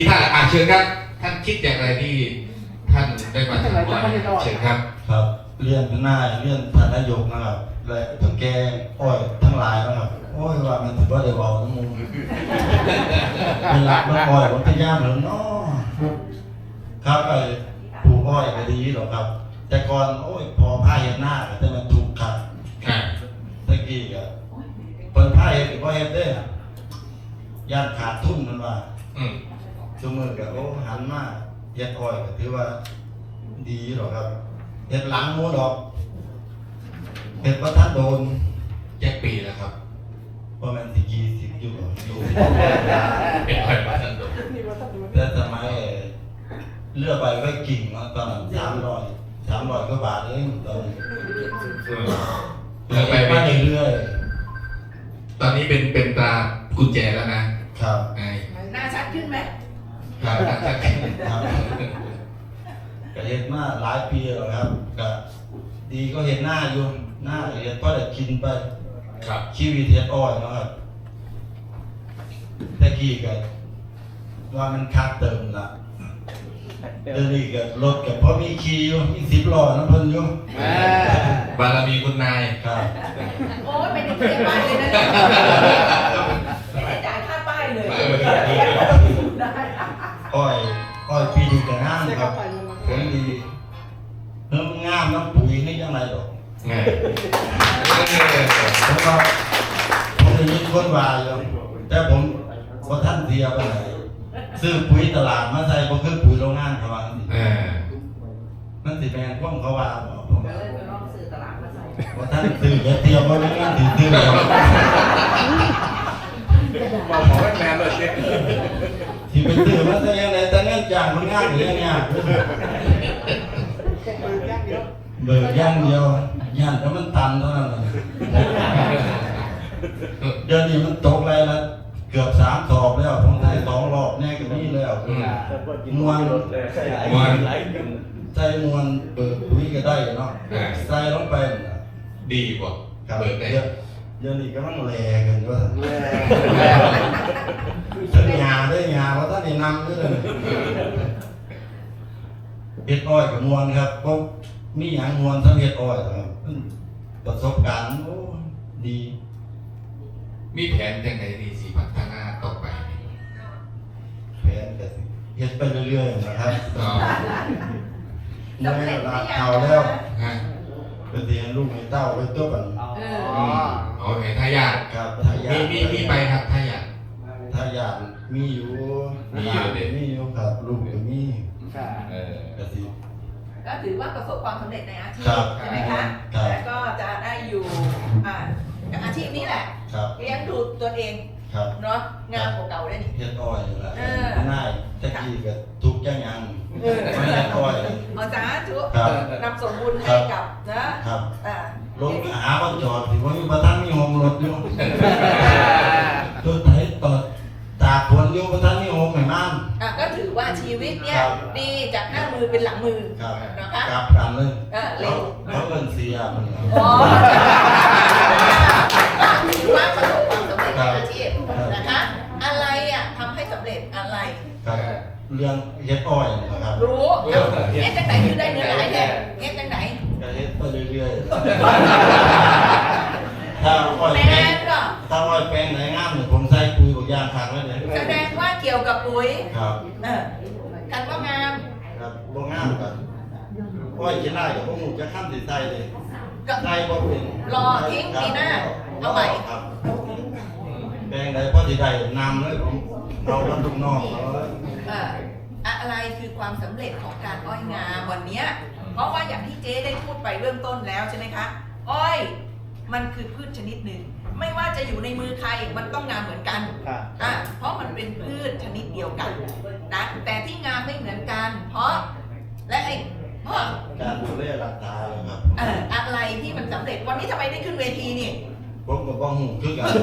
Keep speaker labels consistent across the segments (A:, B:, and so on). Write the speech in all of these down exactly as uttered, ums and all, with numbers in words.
A: ท่านอ่านเชิญครับท่านคิดอย่างไรที่ท่านได้มาทำอ้อยเชิญครับ
B: ครับเรียนหน้าเรียนท่านนายกนะครับและถึงแกอ้อยทั้งหลายนะครับโอ้ยว่ามันถือว่าเดี๋ยวเอาทั้งมุมเป็นรักน้องอ้อยวัฒนยามเหรือน้อครับไอ้ปลูกอ้อยก็ดีหรอกครับ แต่ก่อนโอ้ยพอผ้าเห็นหน้าแต่มันถูกขัดตะกี้ก็เปิดผ้าเห็นก็เห็นได้ย่านขาดทุนมันว่าชั่วโมงก็โอ้หันมาเฮ็ดอ้อยก็ถือว่าดีหรอกครับเฮ็ดหลังมูดอกเฮ็ดว่าท่านโดน
A: แจ็คปีแล้วครับ
B: ประมาณสิกี่สิบอยู่อยู่
A: เป็นอ้อยว่าท่านโดน
B: แต่สมัยเลือกไปไว้กิ่งตอนนั้นสามร้อยสามร้อยกว่าบาทเองตอนนี้
A: เลือกไปไป
B: เรื่อย
A: ตอนนี้เป็นเป็นตากุญแจแล้วนะครับ
C: หน้าชัดขึ้นไหม
A: ครับหน้าชัดขึ้นครับ
B: ก็เห็นมาหลายปีแล้วครับก็ดีก็เห็นหน้าอยู่หน้าเห็นเพราะได้กินไป
A: ครับ
B: ชีวิตเฮ็ดอ้อยนะครับแต่กี้ก็ว่ามันคัดเติมละเดี๋ยวนี้ก็รถก็พอมีขี่อยู่มีสิบล้อน้ำเพิ่นอยู่
A: บารมีคุณนาย
B: ครับ
C: โอ้ยไม่ได้เสียป้ายเลยนะไม่ได้จ่ายค่าป้ายเลย
B: อ้อยอ้อยปีนี้ก็งามครับผลดีเริ่มงามน้ำปุ๋ยให้ยังไงหรอกผมก็ผมได้ยินคนว่าอยู่แต่ผมบ่ทันเสียไปไหนซื้อปุ๋ยตลาดมาใส่บ่คือปุ๋ยโรงงานเขาว่าสิมันสิแม่นความเขาว่าบ่ผม
C: ก็เลยไปลองซื้อตลาดมาใส่
B: บ่ทันซื้ออย่าเตรียมบ่โรงงานสิซื้อ
D: บอกหมอว่าแมนเลยเช็ค
B: ที่ไปซื้อมาใส่ยังไงแต่เงินจ้างมันงานหรือยังไงเบิกย่างเดียวย่านแล้วมันตันเท่านั้นเลยเดี๋ยวนี้มันตกอะไรละเกือบสามสอบแล้วผมได้สองรอบแน่ก็นี่แล้วมวน
A: มวน
B: ใส่มวนเบิกปุ๋ยก็ได้เนาะใส่ลงไป
A: ดีกว่าเบิกได้
B: เดี๋ยวนี้ก็ต้องแลกันว่าสัญญาได้ยาว่าท่านได้นำด้วยเลยเฮ็ดอ้อยกับมวนครับเพราะมีอย่างมวนทั้งเฮ็ดอ้อยครับประสบการณ์โอ้ดี
A: มีแผนยังไงดีสิพัฒนาต่อไป
B: แผนก็เฮ็ดไปเรื่อยๆนะครับเมื่อเวลาเอาแล้วไปเรียนลูกให้เต้าไปตัวกัน
A: อ๋อโอเคทายาท
B: ครับทายาท
A: มีมีไปครับทายาท
B: ทายาทมีอยู่
A: มีอยู่เด็ก
B: มีอยู่ครับลูกก็มี
A: เออ
B: ก็สิ
C: ก็ถือว่าประสบความสำเร็จในอาชีพใช่ไหมคะแล้วก็จะได้อยู่อ่าอาชีพนี้แหละเลี้ยงดูตัวเองเนาะงานของเก่าได้นี่
B: เฮ็ดอ้อยนี่แหละง่ายตะกี้ก็ทุกอย่างยังไม่เฮ็ดอ้อย
C: เอาจ้าทุกนำส่งบุญให้กับนะครับอ่
B: ารถหาบ่จอดสิว่ามีบ่ทันมีโฮมรถอยู่รถไถตอดตากฝนอยู่บ่ทันมีโฮมให้มัน
C: อ่ะก็ถือว่าชีวิตเนี่ยดีจากหน้ามือเป็นหลังมือ
B: นะคะกลับกันเลย
C: เออเร็ว
B: เขาเอิ้นเสียมัน
C: อ๋อถือว่าประสบความสำเร็จในอาชีพนะคะอะไรอ่ะทำให้สำเร็จอะไร
B: เรื่องเฮ็ดอ้อยนะครับ
C: รู้เฮ็ดจังไหนคือได้เนื้อหลายแท้เฮ็ดจังไหน
B: ก็เฮ็ดไปเรื่อยๆถ้าอ้อยแปลงก็ถ้าอ้อยแปลงไหนงามเนี่ยผมใส่ปุ๋ยบางอย่างคักไว้เลย
C: แสดงว่าเกี่ยวกับปุ๋ย
B: ครับ
C: เออกันว่างาม
B: ครับบ่งามกันอ้อยสิได้ก็บ่ฮู้จะค้ำสิใส่เลยใส่บ่เป็น
C: รอทิ้งปีหน้าเอาใหม่
B: ครับแปลงใดพอสิได้นำเลยผมเอาลำลูกน้องเอาเลย
C: อะไรคือความสำเร็จของการอ้อยงามวันนี้เพราะว่าอย่างที่เจ๊ได้พูดไปเริ่มต้นแล้วใช่ไหมคะอ้อยมันคือพืชชนิดหนึ่งไม่ว่าจะอยู่ในมือใครมันต้องงามเหมือนกันอ่ะเพราะมันเป็นพืชชนิดเดียวกันนะแต่ที่งามไม่เหมือนกันเพราะและไอ้เพราะ
B: การดูแลรักษาครับ
C: เอ่ออะไรที่มันสำเร็จวันนี้ทำไมได้ขึ้นเวทีนี่
B: ผมก็บ้องหูคือกัน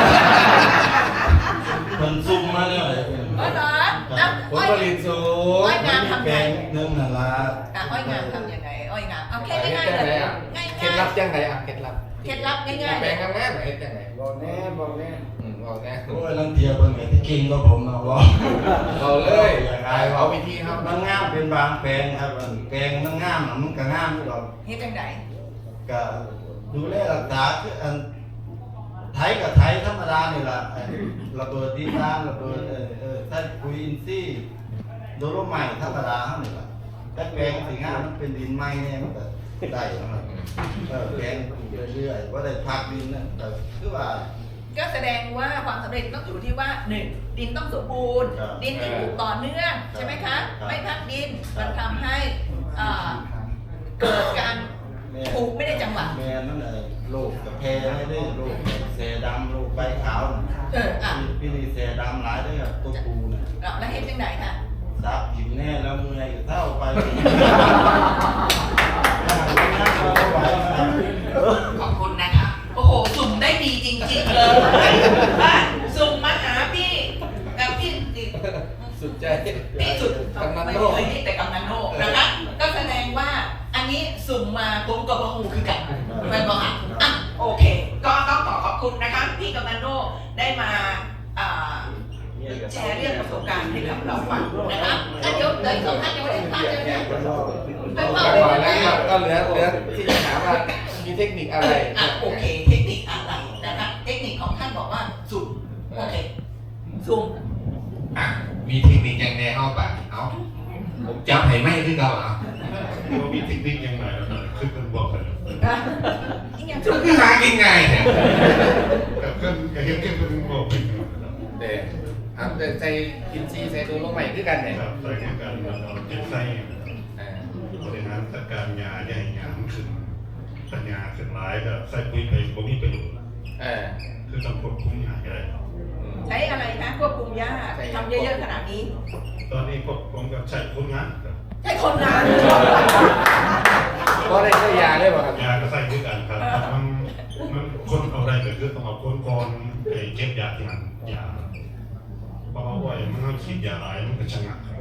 B: มันซุ่มมาเนี่ยเลย
C: อ๋อเหรอ
A: ผลผลิตสูง
C: อ้อยงามทำยังไง
B: เรื่องนั่นละ
C: อ้อยงามทำยังไงอ้อยงามเอาแค่ง่ายๆเลยง่ายๆ
A: เคล็ดลับยังไงอ่ะเคล็ดลับ
C: เคล็ดลับง่ายๆ
A: แปลงงามๆเฮ็ดยังไง
D: บอกแน่บอกแน่
A: ว
D: บอกแน่
B: โอ้ยลังเทียบเป็นไงที่กินก็ผมนะว่า
D: เอาเลยเอาวิธีครับ
B: มันงามเป็นบางแปลงครับแปลงมันงามมันก็งามอยู่หรอก
C: เฮ็ดจังได
B: ก็ดูแลรักษาคืออันไทยกับไทยธรรมดานี่แหละไอ้ระเบิดดินน้ำระเบิดเออเออใส่ปุ๋ยอินทรีย์โดโลไมต์ธรรมดาเท่านี้แหละแต่แปลงสีงามมันเป็นดินไม้เนี่ยมันก็ได้นะครับเออแปลงเรื่อยๆว่าได้พักดินนั่นแต่คือว่า
C: ก็แสดงว่าความสำเร็จต้องอยู่ที่ว่าหนึ่งดินต้องสมบูรณ์
B: ครับ
C: ดินที่ปลูกต่อเนื่องใช่ไหมคะ
B: ครับ
C: ไม่พักดิน
B: ครับ
C: มันทำให้อ่าเกิดการปลูกไม่ได้จังหวะ
B: แม่นั่นไอ้โรคกระเพาะไม่ได้โรคแสดำโรคใบขาวน่ะ
C: เอออ่ะ
B: พี่นี่แสดำหลายเด้อครับตัวปูน่ะ
C: แล้วเฮ็ดจังไดค่ะ
B: ซับหิวแน่แล้วเมื่อยก็เท่าไป
C: ขอบคุณนะคะ โอ้โห สุ่มได้ดีจริงๆเลยอ่ะสุ่มมาหาพี่กับพี่ติ
D: สุดใจ
C: ที่สุด
D: กำนัน
C: ไม่
D: โลก
C: เคยเห็นแต่กำนันโลกนะคะ ก็แสดงว่าอันนี้สุ่มมาผมกับพหูคือกันเป็นบอกอ่ะอ่ะโอเค ก็ต้องขอขอบคุณนะคะพี่กำนันโลกได้มาอ่าแชร์เรื่องประสบการณ์ให้กับเราฟังนะคะถ้าเดี๋ยวเดี๋ยวสองท่านยังไม่ได้ท่านเลยเนี่ยไป
D: ก่
C: เฝ้า
D: อน
C: ไป
D: ก่อน
C: เล
D: แล้ว
C: ย
D: ก็เหลือเหลือที่จะถามว่ามีเทคนิคอะไร
C: อ่ะโอเค เทคนิคอะไรนะคะเทคนิคของท่านบอกว่าสุ่มโอเคสุ่ม
A: อ่ะมีเทคนิคยังไงเอาปะเอาผมจำให้ไม่คือเราเอา
E: ว่ามีเทคนิคยังไงแล้วนะคือกันบอกกัน
C: อีกอย่าง
A: จุดคือหากินง่ายเนี่ย
E: กับเพื่อนกับเพื่อนเพื่อนบอกเป็น
D: เด็กทำแต่ใส่กินซีใส่ตัวลงใหม่คือกันเนี่ย
E: ครับใส่กันเราเจ็บไส้บริหารจัดการยาใหญ่ยาขึ้นสัญญาขึ้นร้ายก็ใส่ปุ๋ยไปบ่มีประโยชน์
D: เออ
E: คือต้องควบคุมยาได้
C: ใช้อะไรคะควบคุมยาทำเยอะๆขนาดนี้
E: ตอนนี้ควบคุมกับใช้คนงานครับ
C: ใช้คนงาน
D: เพราะได้ใช้ยาได้ป่ะครับ
E: ยาก็ใส่ด้วยกันครับมันมันคนเอาได้ก็คือต้องเอาคนก่อนไอ้เก็บยาที่มันยาเพราะว่าว่ามันต้องฉีดยาหลายมันก็ชะงักครับ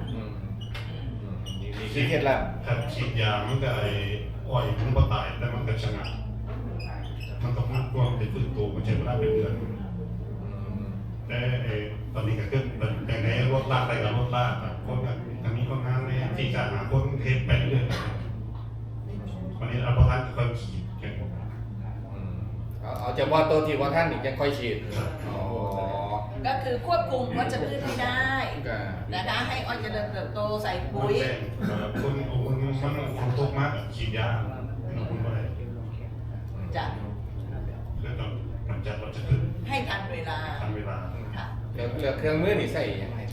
D: นี่คือเคล็ดลับ
E: ถ้าฉีดยามันก็ไอ้อ้อยมันก็ตายแต่มันก็ชะงักมันก็มันก็เป็นฟื้นตัวมันใช้เวลาเป็นเดือนแต่ไอ้ตอนนี้ก็คือเป็นแต่ในรถลากไปกับรถลากแบบคนแบบทางนี้คนงานเนี่ยที่จะหาคนเทปไปเรื่อยวันนี้เราประทานคนขี่แข่งผม
D: เอาเอาเฉพาะตัวที่ว่าท่านอีกยังค่อยฉีดอ๋อ
C: ก็คือควบคุมวัชพืชให้ได้
D: ก็
C: นะคะให้อ้อยเจริญเติบโตใส่ปุ๋ย
E: คนคนมันคนตกมากฉีดยาคุณก็ได้
C: จะ
E: แล้วต้องกำจัดเราจะขึ้น
C: ให้ทันเวลา
E: ทันเวลา
C: ค่ะ
D: เหลือเหลือเครื่องมือนี่ใส่ยังไง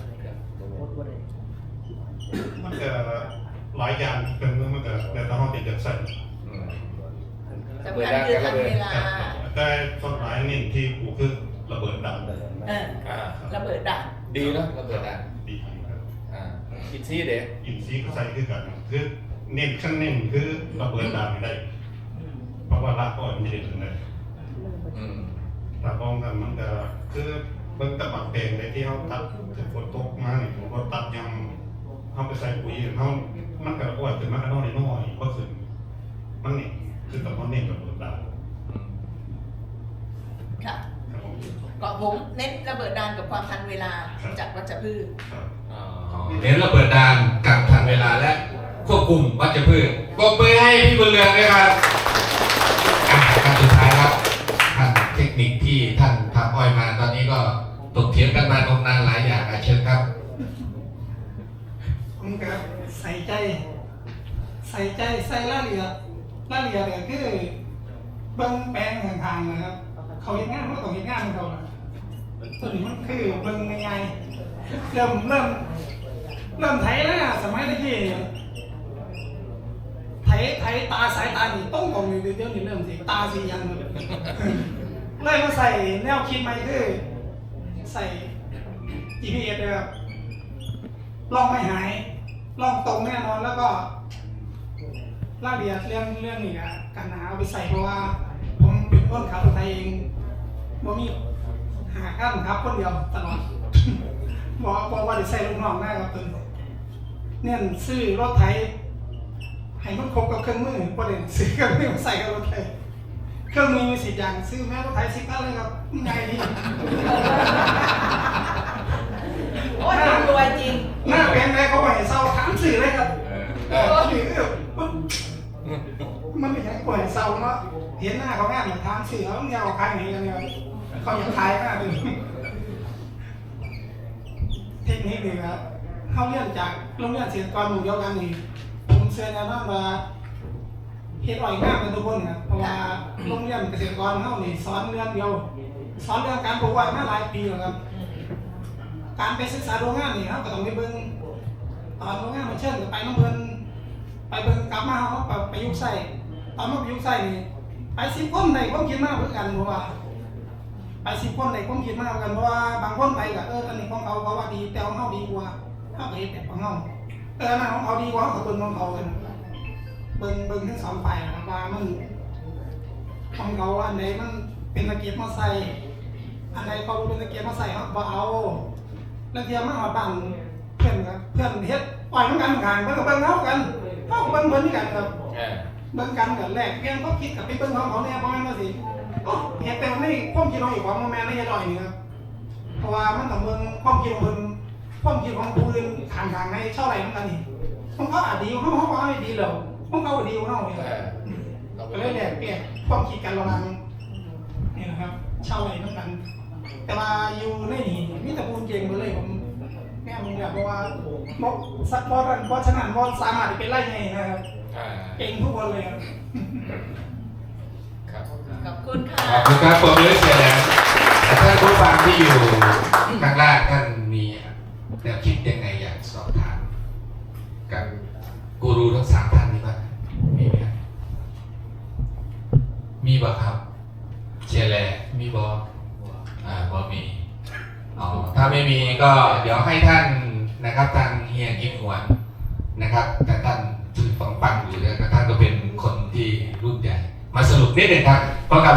E: มันก็หลายอย่างเป็นเมื่อมันก็แต่ต้องติดจากใส่
C: สำคัญคือทันเวลา
E: แต่ส่วนหลายนี่ที่กูคือระเบิดดัง
C: เออ
D: อ่า
C: ระเบิดดัง
D: ดีเนาะระเบิดอ่ะ
E: ดีครับ
D: อ่ากินซีเด็ก
E: อินซีก็ใส่คือกันคือเน้นขั้นเน้นคือระเบิดดังได้ เพราะว่ารากอ้อยมันจะได้ถึงได้
D: อืม
E: รากอ้อยกันมันก็คือเบิ่งตะบักแดงในที่เขาตัดถึงฝนตกมาเนี่ยผมก็ตัดยังเขาไปใส่ปุ๋ยเขามันก็อ้อยขึ้นมาก็น้อยน้อยก็ขึ้นมันนี่คือตะวันเน้นระเบิดดัง
C: ค่ะ
E: ครับผม
C: ก็ผมเน้นระเบิดดังกับความทันเวลาจากวัชพืช
E: ครับ
D: อ๋อ
A: เน้นระเบิดดานกับทันเวลาและควบคุมวัชพืชปรบมือให้พี่บุญเรืองด้วยครับอ่ะการสุดท้ายครับท่านเทคนิคที่ท่านทำอ้อยมาตอนนี้ก็ตกเถียงกันมานมนานหลายอย่างอ่ะเชิญครับ
F: ผมก็ใส่ใจ ใส่ใจใส่รายละเอียดรายละเอียดเนี่ยคือเบิ้งแปลงห่างๆนะครับ เขาเห็นงานมันก็ต้องเห็นงานของเขานะส่วนนี้มันคือเบิ้งง่ายๆเริ่มเริ่มเริ่มไถแล้วนะสมัยตะกี้ไถไถตาสายตานี่ต้องตรงอยู่เดี๋ยวนี้เริ่มสิตาสียังเลยเลยมาใส่แนวคิดใหม่คือใส่ จี พี เอส เลยครับลองไม่หายลองตรงแน่นอนแล้วก็รายละเอียดเรื่องเรื่องนี้อะกันหาเอาไปใส่เพราะว่า ผมเป็นคนขับรถไทยเองบ่มีหาขั้นครับคนเดียวตลอด บอกบอกว่าจะใส่ลูกน้องได้ครับตัวเนี่ยซื้อรถไถให้มันครบกับเครื่องมือประเด็นซื้อเครื่องมือมาใส่กับรถไถเครื่องมือมีสิบอย่างซื้อแม่รถไถสิบอันเลยครับใหญ่ดี
C: โอ้ยมันรวยจริง
F: หน้าเป็นไรเขาไหวเศร้าถามสื่อเลยครับ
D: เออ
F: เออสื่อเออมันไม่ใช่ไหวเศร้าเนาะเห็นหน้าเขาแม่เหมือนถามสื่อเขาเนี่ยเอาขายไหนกันเนี่ยเขาอยากขายมากเลยเทคนิคนี่ครับเขาเรียนจากโรงเรียนเสียกรหมู่เดียวกันนี่ผมเชื่อแน่นอนว่าเฮ็ดอ้อยงามกันทุกคนครับเพราะว่าโรงเรียนเกษตรกรเขานี่สอนเรื่องเดียวสอนเรื่องการปลูกอ้อยมาหลายปีแล้วครับ การไปศึกษาโรงงานนี่ครับก็ต้องไปเบิ่งตอนโรงงานมันเชิญก็ไปน้ำเพิ่นไปเบิ่งกลับมาเขาก็ไปยุกใส่ตอนมาไปยุกใส่นี่ไปสิบคนในความคิดมากเหมือนกันเพราะว่าไปสิบคนในความคิดมากเหมือนกันเพราะว่าบางคนไปก็เอออันนี้ของเขาเขาว่าดีแต่ของเขาดีกว่าเขาก็เฮ็ดแบบของเขาเอออันนั้นของเขาดีกว่าเขาก็เบิ่งของเขากันเบิ่งเบิ่งทั้งสองฝ่ายนะครับว่ามันของเขาอันใดมันเป็นตะเกียบมาใส่อันใดเขาเป็นตะเกียบมาใส่เขาบ่เอาแล้วเทียมมาหอดบ้านเพื่อนครับเพื่อนเฮ็ดปล่อยมันกันห่างเพิ่นก็เบิ่งเฮากันเฮาก็เบิ่งเพิ่นคือกันครับ
D: เออ
F: เบิ่งกันกันแรกเพียงเขาคิดกับไปเบิ่งของเขาเนี่ยบ่แม่นว่าสิโอ้เฮ็ดแต่ในความคิดของอีกของบ่แม่นในเฮ็ดอ้อยนี่ครับเพราะว่ามันต้องเบิ่งความคิดของเพิ่นความคิดของผู้อื่นข้างๆให้เท่าไหร่เหมือนกันนี่ของเขาอาจดีของเขาเขาบ่ให้ดีแล้วของเขาก็ดีของเขานี่
D: เอ
F: ครับ
D: อ
F: ก็เลยแลกเปลี่ยนความคิดกันระหว่างนี่นะครับเช่าไหร่เหมือนกัน แต่ว่าอยู่ในนี่มีแต่ปูนเก่งหมดเลยผมแม่มึงแบบว่าบกสักบอลบอลฉะนั้นบอลสามารถเป็นไล่ไงนะครับ
D: อ่า
F: เก่งทุกคนเลยครับ
D: ครับ
C: ขอบคุณค่ะ
A: ขอบคุณครับผมเลยเสียแล้วแต่ท่านผู้ฟังที่อยู่ข้างล่างท่านมีแนวคิดยังไงอยากสอบถามกับกูรูทั้งสามท่านนี้บ้างมีไหมครับมีบ่ครับเชียร์แลมีบ่อ่าบ่มีอ๋อถ้าไม่มีก็เดี๋ยวให้ท่านนะครับทางเฮียกิมหวนนะครับแต่ท่านถือฟังฟังอยู่แล้วท่านก็เป็นคนที่รุ่นใหญ่มาสรุปนิดหนึ่งครับเพราะกับ